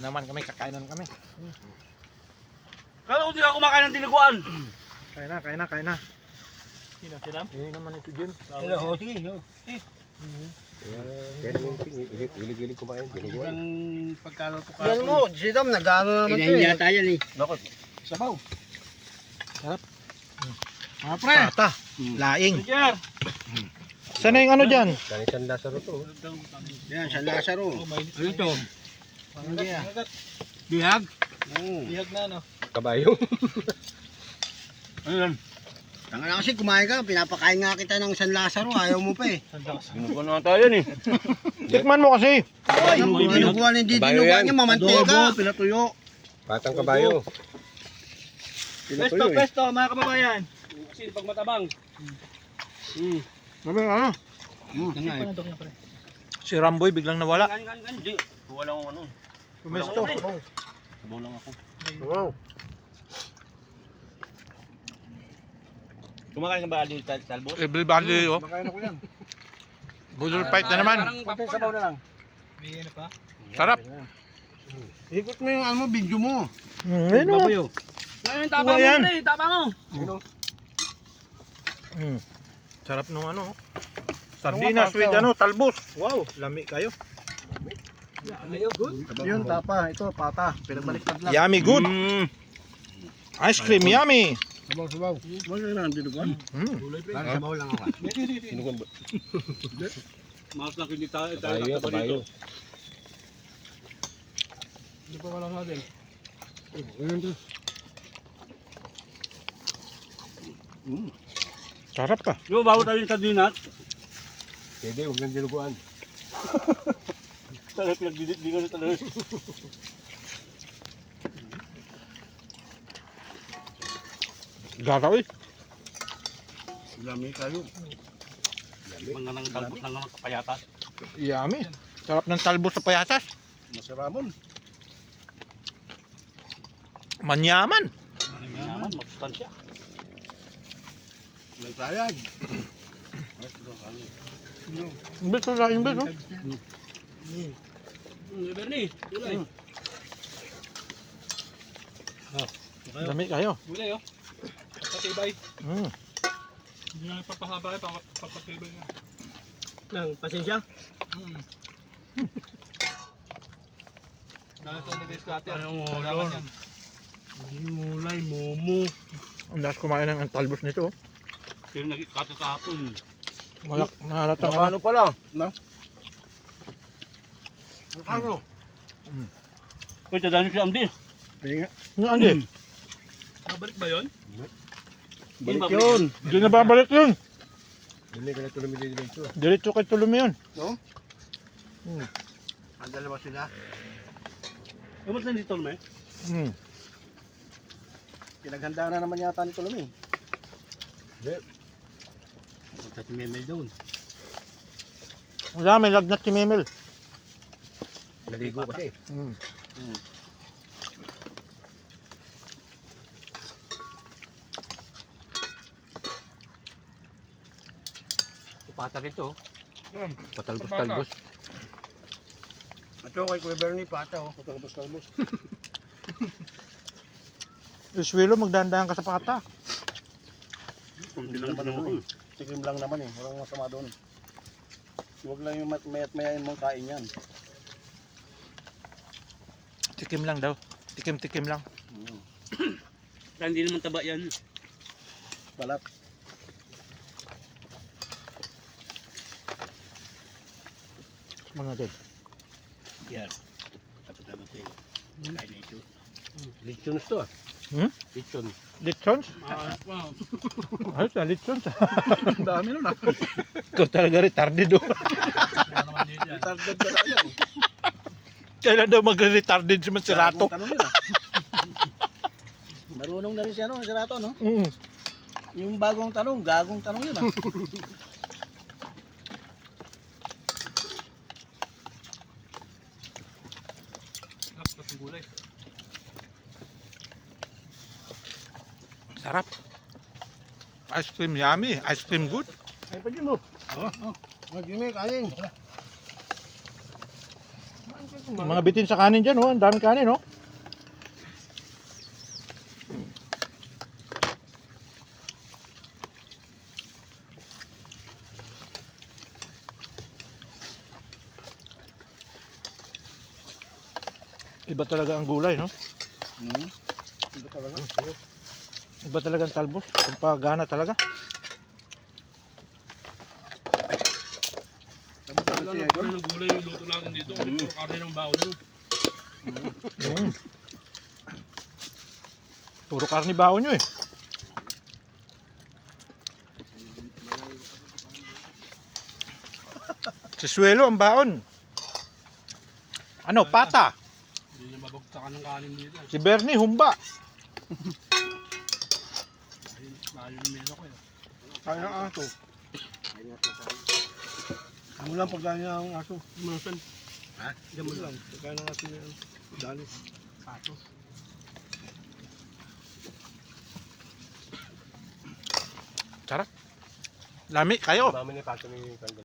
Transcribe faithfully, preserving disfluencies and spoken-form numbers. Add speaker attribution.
Speaker 1: naman kami, kakainan kami.
Speaker 2: Kala ko di ako kumakain ng tiniguan.
Speaker 1: Kain na, kain na, kain na.
Speaker 2: Sino, sinam?
Speaker 1: Eh naman ito dyan.
Speaker 2: Hello, oh, sige. Eh,
Speaker 3: Kaya naman, hilig-hilig kumain.
Speaker 2: ang pagkaluto ka.
Speaker 4: Yan mo, Sidam, nag-ano naman ito eh.
Speaker 2: Inahiya tayo ni.
Speaker 3: Bakit?
Speaker 2: Sabaw.
Speaker 4: Mga pre,
Speaker 1: Pata, laing.
Speaker 2: Roger.
Speaker 1: Saan na yung ano dyan?
Speaker 3: Kanisan Lazaro to.
Speaker 4: yan, San Lazaro.
Speaker 2: Ano ito?
Speaker 4: Ano yan?
Speaker 2: Bihag?
Speaker 4: Oo.
Speaker 2: Bihag na, no?
Speaker 3: Kabayo.
Speaker 2: Ano yan?
Speaker 4: Tanga na kasi kumain ka, pinapakain nga kita ng San Lazaro, ayaw mo pa eh.
Speaker 2: Sinubukan na tayo ni.
Speaker 1: Tikman mo kasi.
Speaker 4: Ay,
Speaker 2: Ano,
Speaker 4: yung dinuguan ng
Speaker 3: Kabayo
Speaker 4: dinuguan
Speaker 3: yan.
Speaker 4: niya, mamantega.
Speaker 2: pinatuyo.
Speaker 3: Patang kabayo.
Speaker 2: Pesto, pesto, mga kababayan. Kasi pag matabang. Hmm.
Speaker 4: Sabi ano?
Speaker 2: Tanga eh.
Speaker 1: Si Ramboy biglang nawala.
Speaker 2: Gan, gan, gan. Di. Wala akong ano.
Speaker 1: Pumesto.
Speaker 2: Sabaw lang ako.
Speaker 4: Wow.
Speaker 2: Kumakain ka ba dito talbos?
Speaker 1: Everybody, oh.
Speaker 4: Makain ako yan.
Speaker 1: Budol fight na naman.
Speaker 4: Pati sabaw na lang.
Speaker 2: May ano pa?
Speaker 1: Sarap.
Speaker 4: Ikot mo yung ano mo, video mo.
Speaker 1: Mm, ayun, oh.
Speaker 2: Ngayon, tapang mo
Speaker 1: yan.
Speaker 2: pre, tapang mo.
Speaker 1: Mm. Sarap nung ano. Sardinas with ano, talbos. Wow, lami kayo.
Speaker 4: Yun, tapa, ito, pata. Pinagbaliktad lang.
Speaker 1: Yummy good.
Speaker 2: Mm.
Speaker 1: Ice cream, yummy.
Speaker 4: Sabaw, sabaw. Wala na ang dinuguan.
Speaker 1: Mm.
Speaker 4: Lang, sabaw lang ako.
Speaker 3: Sinukan ba?
Speaker 2: Mas lang hindi tayo
Speaker 3: Kabayo yan, kabayo.
Speaker 2: Hindi pa wala natin.
Speaker 1: Sarap ka.
Speaker 2: Di ba bago tayo yung sardinas?
Speaker 3: Pwede, huwag nang dinuguan.
Speaker 2: Talaga pinagdidit, di ka na talaga.
Speaker 1: Gagaw eh.
Speaker 4: Lami kayo.
Speaker 2: Mga nang talbot ng mga kapayatas.
Speaker 1: Yummy. Sarap ng talbos sa payatas.
Speaker 4: Masaramon.
Speaker 1: Manyaman.
Speaker 2: Yaman, magsustansya.
Speaker 4: May sayag.
Speaker 1: Imbes na imbes, oh.
Speaker 2: Hmm, Bernie, gulay.
Speaker 1: Lami kayo.
Speaker 2: Gulay oh. Patibay.
Speaker 1: Mm.
Speaker 2: Hindi na papahaba eh, papatibay na. Nang, pasensya? Hmm. Dahil ito ni Descate. Anong ulol?
Speaker 4: Mulay, momo.
Speaker 1: Ang lakas kumain ng talbos nito, oh.
Speaker 2: Pero nagkakato kahapon.
Speaker 1: Malak, nahalata nga.
Speaker 4: Ano pala? No? Ano?
Speaker 2: Uy, tadaan si Amdi.
Speaker 4: Pinga.
Speaker 1: Ano, Andy?
Speaker 2: Nabalik ba yun?
Speaker 4: Balik yun.
Speaker 1: Hindi na babalik yun.
Speaker 3: Hindi ka na tuloy dito.
Speaker 1: Diretso kay Tulumi yun.
Speaker 4: No?
Speaker 1: Hmm.
Speaker 4: Ang dalawa sila.
Speaker 2: Kamusta na dito naman?
Speaker 1: Hmm.
Speaker 4: Pinaghanda na naman yata ni Tulumi.
Speaker 2: Punta si Memel doon.
Speaker 1: Wala, may lagnat si Memel.
Speaker 3: Naligo kasi.
Speaker 1: Hmm.
Speaker 2: Pata rito.
Speaker 1: Patalbos-talbos.
Speaker 4: Ito kay Kuya Bernie, pata oh. Patalbos-talbos.
Speaker 1: Iswilo, magdandahan ka sa pata.
Speaker 2: Hindi lang pa naman.
Speaker 4: Tikim lang naman eh. Walang masama doon. Huwag lang yung mat- mayat mayain mong kain yan.
Speaker 1: Tikim lang daw. Tikim-tikim lang.
Speaker 2: Hindi naman taba yan.
Speaker 4: Balat.
Speaker 1: Mga dad.
Speaker 2: Yan. Tapos naman sa'yo. Kain na ito.
Speaker 3: Lechons to ah.
Speaker 1: Hmm?
Speaker 3: Lechon.
Speaker 1: Litsons?
Speaker 2: Ah, wow.
Speaker 1: Ayos na, litsons.
Speaker 4: Ang dami nun ah.
Speaker 1: Ikaw talaga retarded, oh.
Speaker 2: Wala naman dito yan.
Speaker 4: Tardad ka na yan.
Speaker 1: Kailan daw magre-retarded si Manserato?
Speaker 4: Tanong yun ah. Marunong na rin siya no, si Rato no?
Speaker 1: Mm.
Speaker 4: Yung bagong tanong, gagong tanong yun ah.
Speaker 2: Tapos yung gulay.
Speaker 1: Sarap. Ice cream yummy. Ice cream good.
Speaker 4: Ay pa din mo. Oo. Oh, Mag-imi, kain.
Speaker 1: Mga bitin sa kanin dyan, oh. Ang daming kanin, oh. Iba talaga ang gulay, no?
Speaker 4: Hmm. Ito talaga.
Speaker 1: Iba talaga ang talbos. Ang pagana talaga.
Speaker 4: Tapos
Speaker 2: Wala
Speaker 4: si
Speaker 2: na
Speaker 4: Idol.
Speaker 2: ng gulay yung luto natin dito. Kasi puro karne ng baon yun.
Speaker 1: Mm. Puro karni baon nyo, eh. Si Suelo ang baon. Ano, pata.
Speaker 2: Hindi niya mabagtakan ng kanin dito.
Speaker 1: Si Bernie, humba.
Speaker 2: Ayun, layo ng mesa ko eh.
Speaker 4: Kaya ng aso. Ano lang pagkain niya ang aso.
Speaker 2: Masan?
Speaker 4: Ha? Diyan mo lang. Pagkain ng aso niya. Dali.
Speaker 2: Pato.
Speaker 1: Sarap. Lami kayo.
Speaker 3: Mami ni Pato ni Kanggal.